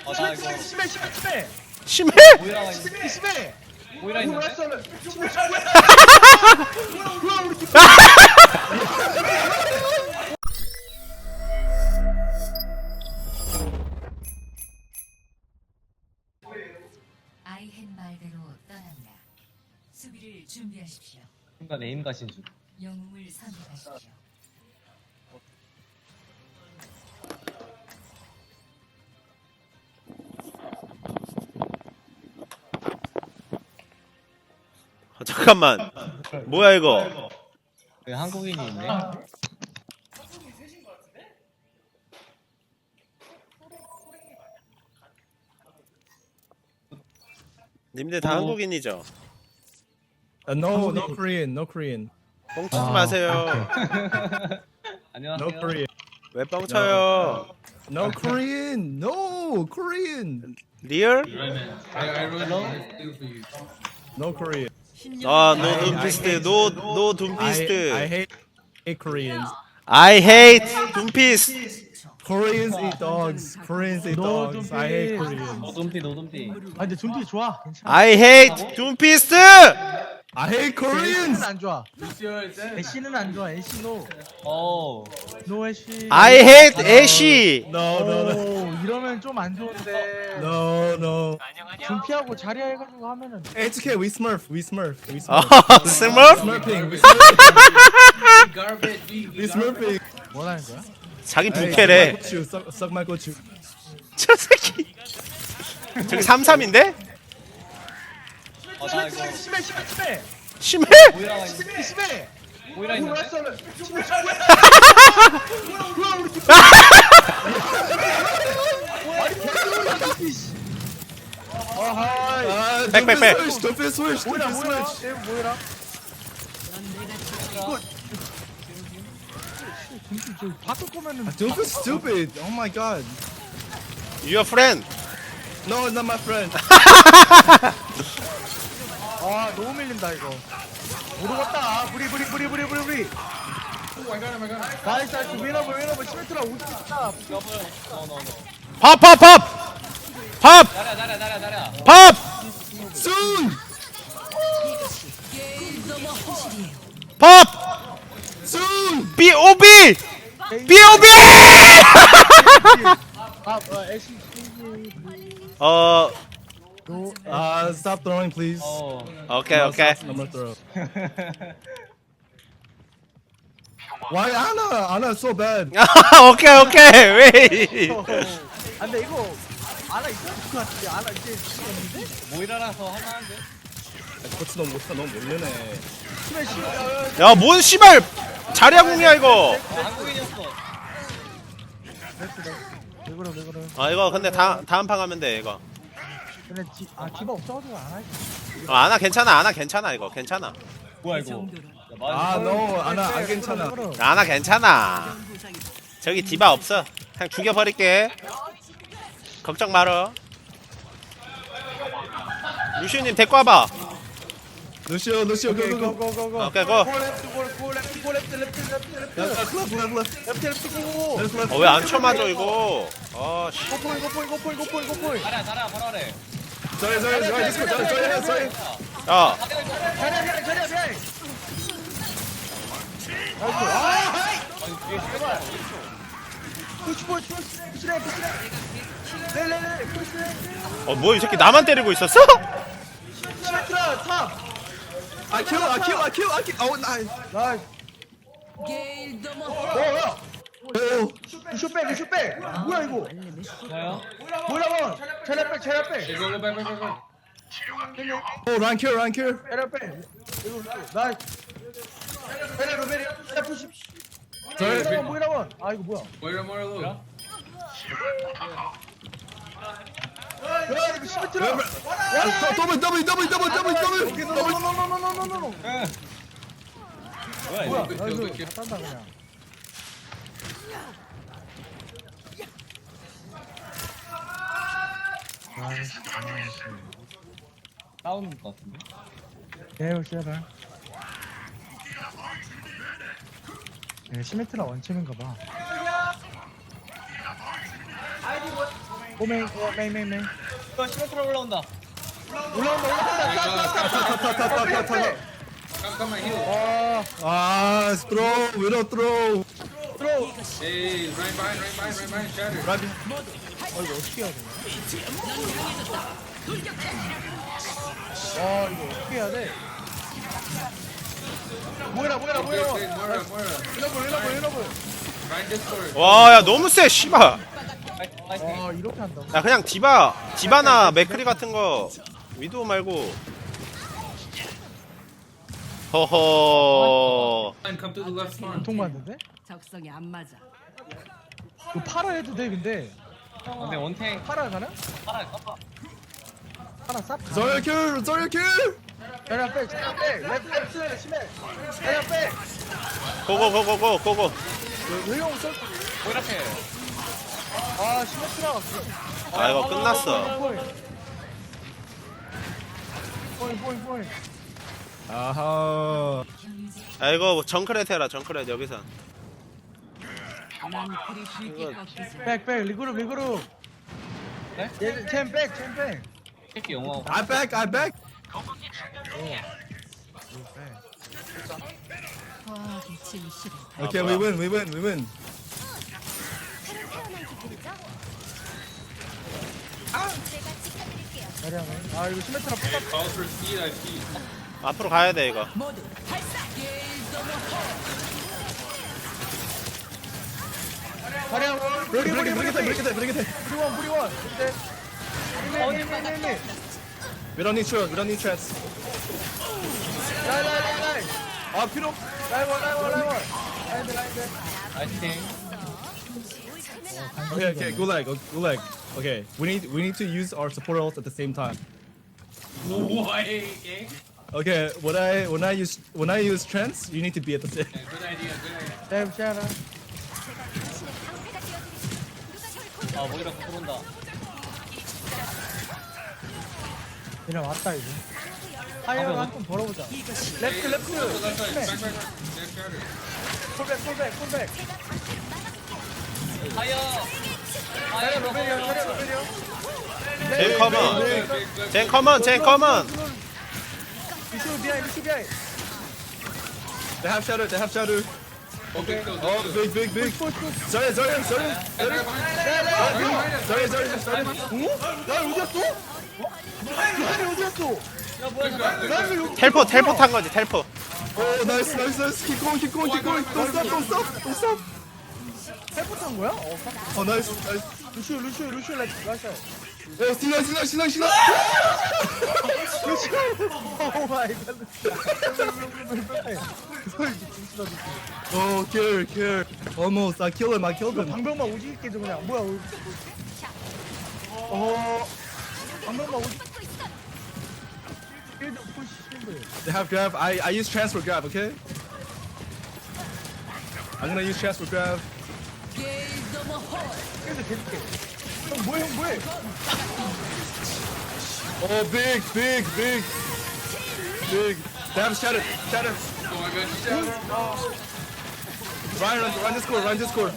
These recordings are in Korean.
나 이거 심해? 모이라가 있는데. 모이라 있는데. 아이헨 말대로 떠납니다. 수비를 준비하십시오. 순간 에임 가신 줄. 영웅을 선택하십시오. 잠깐만. 뭐야 이거? 여기 한국인이 있네. 님들 다 한국인이죠? No, no Korean, no Korean, 뻥치지 마세요. 안녕하세요. no Korean, 왜 뻥쳐요? no Korean, no Korean, 리얼? no Korean. 아, 노 둠피스트. 노 I 둠피스트. hate Koreans. I hate 둠피스트. Koreans eat dogs. Koreans eat No, dogs. don't I hate be. Koreans. 노둠피. 아 근데 준비 좋아. 괜찮아. I hate 둠피스트. I hate Koreans. 애쉬는 안 좋아. 애쉬는 안 좋아. 애쉬 노. 오. 노 애쉬. I hate 애쉬. No, no, no, 오, 이러면 좀 안 좋은데. no, no. 준피하고 자리야 해가지고 하면은. It's okay. We Smurf. We Smurf. We 어, Smurf. 스머프? Smurfing. We Smurfing. We Smurfing. 뭐라는 거야? 자기 Hey, 부캐래. suck my gochu. 저 새끼. 저기 33인데? 나 이거 심해? 모이라가 있는데. 모이라 있는데. Back, Don't back. switch. Don't be switch. Don't be switch. 얘 뭐야? 준피 저 바꿀 거면은. Don't be stupid. Oh my god. Your friend. No, not my friend. 아 너무 밀린다 이거. 모르겠다. 브리. 나이스 위너블 시메트라 50다. 팝. 팝. Soon. 팝. Soon. B.O.B. B.O.B. 애쉬 어, Stop throwing, please. 오케이. I'm gonna throw. Why Anna so bad? 오케이. 왜? 아 근데 이거 아나 있을 것 같은데 아나 이제 죽었는데? 모이라라서 하나인데. 코치 너무 모르네. 스매시 야, 뭔 씨발 자리야궁이야 이거. 한국인이었어. 왜 그래 아, 이거 근데 다음 판 가면 돼 이거. 근데 디바 없어가지고 안 하지 아나 괜찮아 이거 괜찮아. 뭐야 이거. No, Anna 안 괜찮아. 아나 괜찮아. 저기 디바 없어. 그냥 죽여버릴게. 걱정 말어. 루시우님 데리고 와봐. Lucio, go. 오케이 고. Left. 왜 안 쳐맞아 이거. 아 씨. 고포인 자리야 바로 아래. Sorry. Just go. Sorry. 야. 뭐야 이 새끼 나만 때리고 있었어? I kill. Oh, nice. Oh. 슛백 뭐야 이거 뭐야? 뭐라고 체력백 Oh, run kill. 체력백 나 베레 F10 Sorry. 뭐라고 아 이거 뭐야 뭐야? 야 이거 시메트라 Double. 노노노노노노노노노 뭐야 뭐야 이거? 나 이거 다 딴다 그냥 싸우는 것 같은데. 에휴 씨발 시메트라 원챔인가 봐 오메 메이 이거 시메트로 올라온다. 올라온다. Come my heel. Ah, throw, widow throw. Hey, right behind, shatter. Right. 이거 어떻게 해야 되냐? 이거 어떻게 해야 돼? 뭐해라. Moira. 이러고. Right Discord. 와, 야, 너무 세, 씨발. 파이팅. 이렇게 한다고? 야, 그냥 디바나 맥크리 같은 거 위도우 말고. 허허. Come to the left spawn. 통 맞는데? 적성이 안 맞아. 이거 팔아 해도 돼 근데. 근데 원탱 팔아 가나? 팔아 깜빡. 팔아 쌉. Zarya kill. 자리야 빼. 랩 심해. 자리야 빼. 고고. 왜용 써? 뭐 이렇게. 시메트라. 아, 이거 끝났어. 포인. 아하. 아, 이거 정크렛 해라, 정크렛, 여기서. 난 그리 쉽게 꺾이지. 백 리그룹. 네? 챔 백. 새끼 영어. I back. 화학이 진실을 Okay, we win. 자리야. 이거 시메트라 뽑아. Calls for speed, I speed. 앞으로 가야 돼, 이거. 모두 발사. 자리야. Break it. 뿌리원. 네. We don't need chance. 라이. 필요. 라이원. 라이드. 파이팅. Okay, go leg. Okay, we need to use our support ult at the same time. Why? Okay, when I use trance, you need to be at the same. Good idea. 랩 샤라. 뭐 이렇게 들어온다. 그냥 왔다 이제. 타이어를 한번 벌어보자. 레프트. Left side. Back. Left shatter. 콜백. 하여. 자리야 로베리오. 젠 커먼. 루슈 비하이. They have shadow. Okay. Oh, big. Zarya. 텔포 탄 거지, 텔포. Oh, nice. Keep going. Don't stop. 헬프탄 거야? Oh, nice. 루슈 라이샤. Oh, 신나. 오 마이 갓. Oh, kill. Almost. I killed him. 방벽만 오지게 깨져 그냥. 뭐야? 방벽만 오지. 필드 푸시 필드. They have grab. I use transfer grab. Okay. I'm gonna use transfer grab. 필드 계속해. 형 뭐해? Oh, big. They have shadow. Oh my god. Ryan Discord.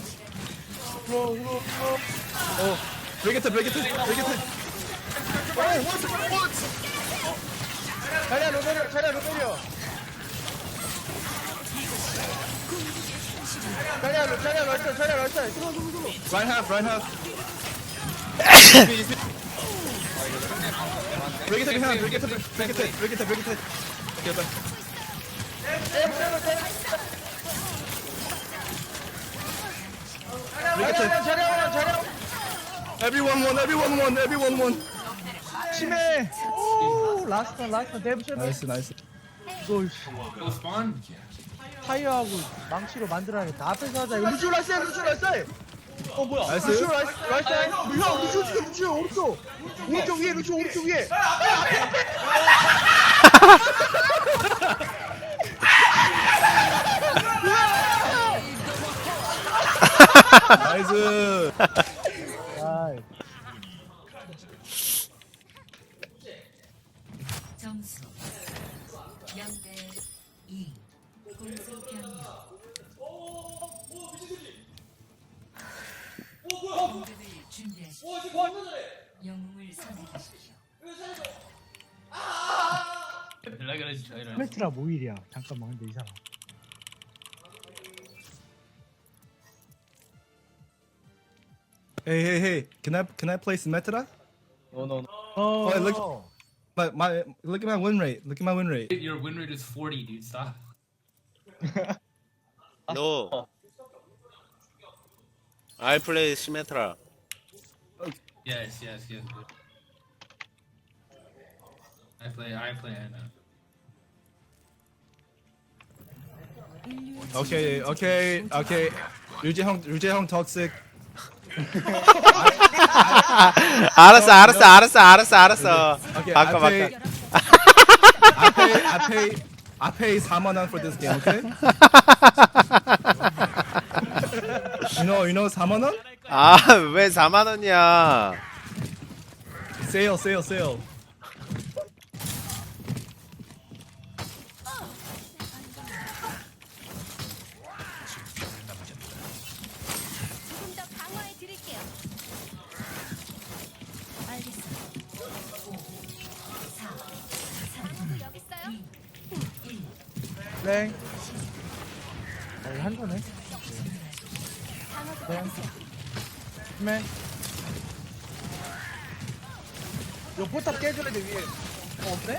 Oh, break it. 자리야 로베리오. 자리야 럴터. Right half. Break it behind. Break it. Okay, back. 자리야. Everyone won. 심해. 오 라스트 데브션. Nice. 이거 Go spawn. 타이어하고 망치로 만들어야겠다. 앞에서 하자. 이거 루슈 라이스. 뭐야? Nice. 루슈 오른쪽 위에. Nice. 점수 0대2 공수 변경 공격을 준비하십시오. 영웅을 선택하십시오. 연락을 해주죠 이런. 시메트라 모일이야. 잠깐만 근데 이 사람. Hey. Can I play Symmetra? 노노. 어. Oh, look. Look at my win rate. Look at my win rate. Your win rate is 40, dude. Stop. No. I play Symmetra. Yes. Good. I play Anna. Okay. 류재 형 toxic. 알았어. Okay, 바꿔. I pay 4만 원 for this game, okay? you know 4만 원? 아, 왜 4만 원이야? Sale. 조금 더 강화해 드릴게요. 알겠습니다. 5, 4, 3, 강화구 여기 있어요. 1. 랭. 한 거네. 강화구 여기 있어요. 맨. 이거 포탑 깨줘야 돼 위에. 없네?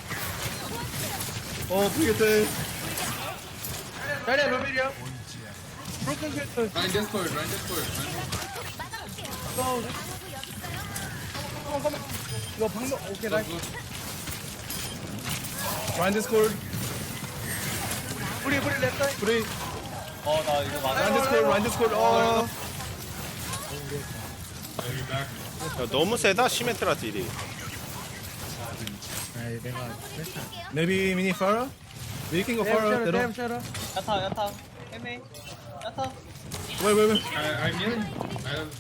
브리게트. 자리야 로벨이야. 브로큰 캐릭터. Run Discord. 막아볼게요. 어, 강화구 여기 있어요. 잠깐만. 이거 방금 오케이 라이. Go. Run Discord. 우리 랩사이. 브리. 나 이거 맞아. Run Discord. Yeah, you're back. 야, 너무 세다 시메트라 딜이. 아이 내가 Maybe mini Pharah? We can go Pharah. 램 셔러. 야타. 헤메. 야타. Wait. I'm healing. I have.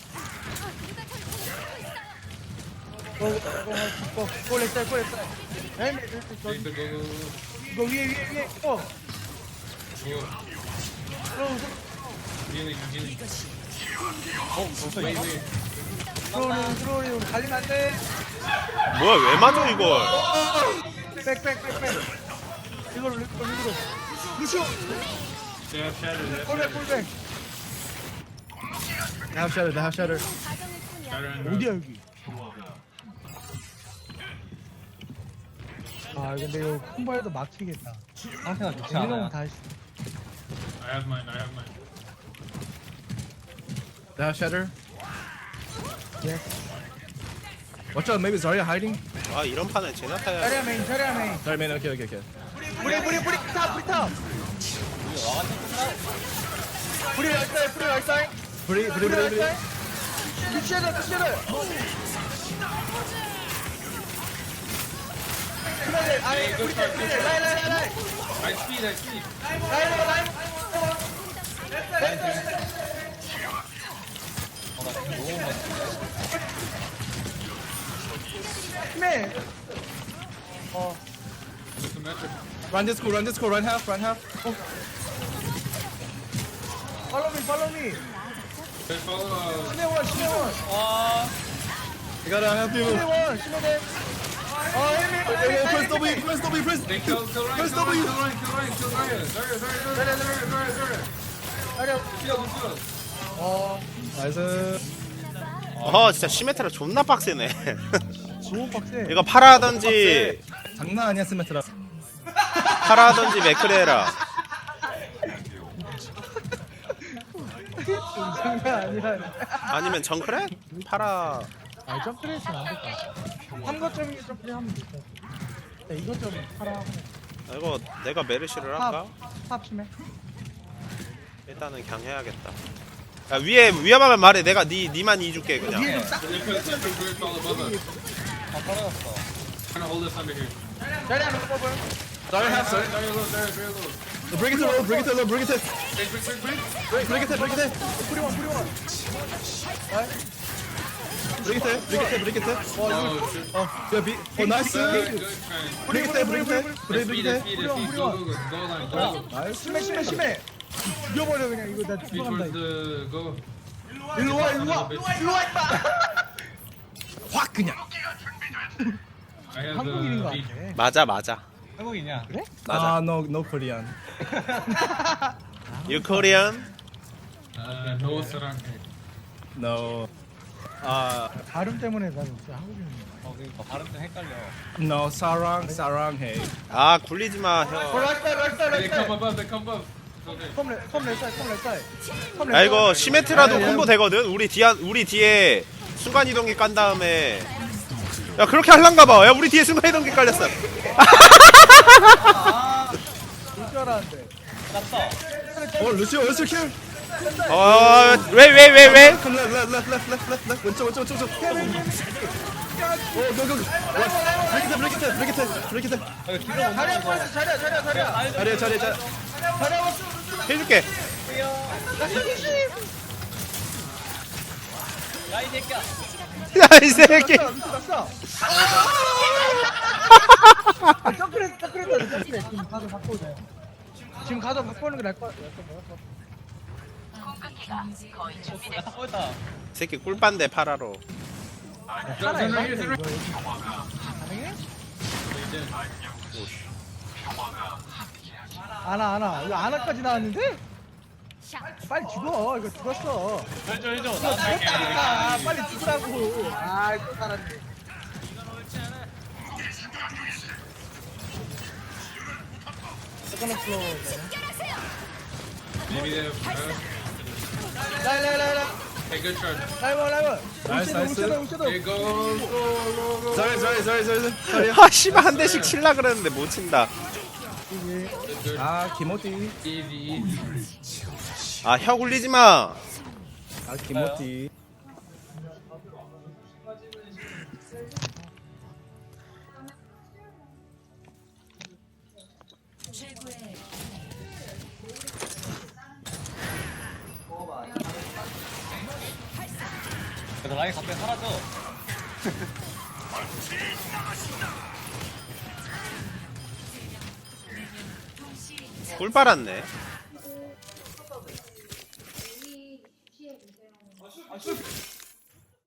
골 랩사이. 램 Go. 이거 위에. Go. Healing. Wait. 들어오니 우리 달리면 안 돼. 뭐야, 왜 맞아 이걸? 백. 이걸로. 루시오. They have shatter. 골백. They have Shatter. 과정일 뿐이야. Shatter and 어디야 여기? 아 근데 이거 콤보에도 막히겠다. 상태가 좋지 이런 않아요. 다 했어. I have mine. They have Shatter. 예. Watch out, maybe Zarya hiding. 아, 이런 판에 제나타야. 자리야 메인. Sorry, man. Okay. 뿌리 탑. 뿌리 락사이. Pretty. 미치를. 라이. I speed. 라이. 나 지금 너무 많이. 힘내. Symmetric. Run Discord. Run half. Follow me. They follow. 심해원. I gotta help you. 심해원. Press W. They kill Ryan. Press Kill W. Ryan. Zarya. 자리야. Kill. 나이스. 진짜 시메트라 존나 빡세네. 너무 빡세. 이거 파라하던지 장난 아니야 스메트라. 맥크레라. 장난 아니야. 아니면 정크레? 파라. 아 점프레이스는 안 될까? 3거점이 점프하면 될까? 이것 좀 하라. 이거 내가 메르시를 할까? 탑 심해. 일단은 그냥 해야겠다. 야, 위에 위험하면 말해. 내가 니만 이줄게 그냥. 위에 좀 싹. They fall above us. 떨어졌어. Trying to hold us under here. 자리 하나 뽑아. Zarya half. Zarya low. Very low. Bring it to low. Bring it. Break. 뿌리원. Bring it. Oh, shit. 나이스. Good. Bring it. Speed. Go line. 나이스. 심해. 죽여버려 그냥 이거 나 Speed 죽어간다. towards the go. 일로 와 임마. 확 그냥. I have 한국인인 것 the 같아. 맞아 맞아. 한국이냐? 그래? 맞아. No Korean. You Korean? no sarang. No. 발음 때문에 난 진짜 한국인인 그러니까 발음 좀 헷갈려. No sarang hey. 아 굴리지 마 거. 형. They come above. They come above. Okay. 컴 렛사이. 야 이거 시메트라도 콤보 되거든. 우리 뒤에 순간 이동기 깐 다음에. 야 그렇게 할란가 봐. 야 우리 뒤에 순간 이동기 깔렸어. 볼줄 알았는데. 났어. Lucio kill. 왜? Come left. 왼쪽. Go. Break it. 이거 뒤로 못 나가서. 자리야. 해줄게. 야이 새끼야. 야 이 새끼. 났어. 점프했다. 지금 가서 바꿔오자. 지금 가서 바꾸는 게 나을 것 같아. 야타 꺼있다. 새끼 꿀빤데 파라로. 하나 Turn 해봐. right here. 이거 가능해? 아나. 이거 아나까지 나왔는데? 빨리 죽어. 이거 죽었어. 해줘. 죽었다니까. 빨리 죽으라고. 아, 이거 살았네. 세컨드 플로어. Maybe they have. 라이. Hey, good charge. 라이브. 나이스. 웅채도. Hey, go. Sorry. 아 씨발 한 대씩 칠라 그랬는데 못 친다. 김호띠. Easy. 아 혀 굴리지 마. 김호띠. 최고의 그래서 라인 갑자기 사라져. 꿀 빨았네.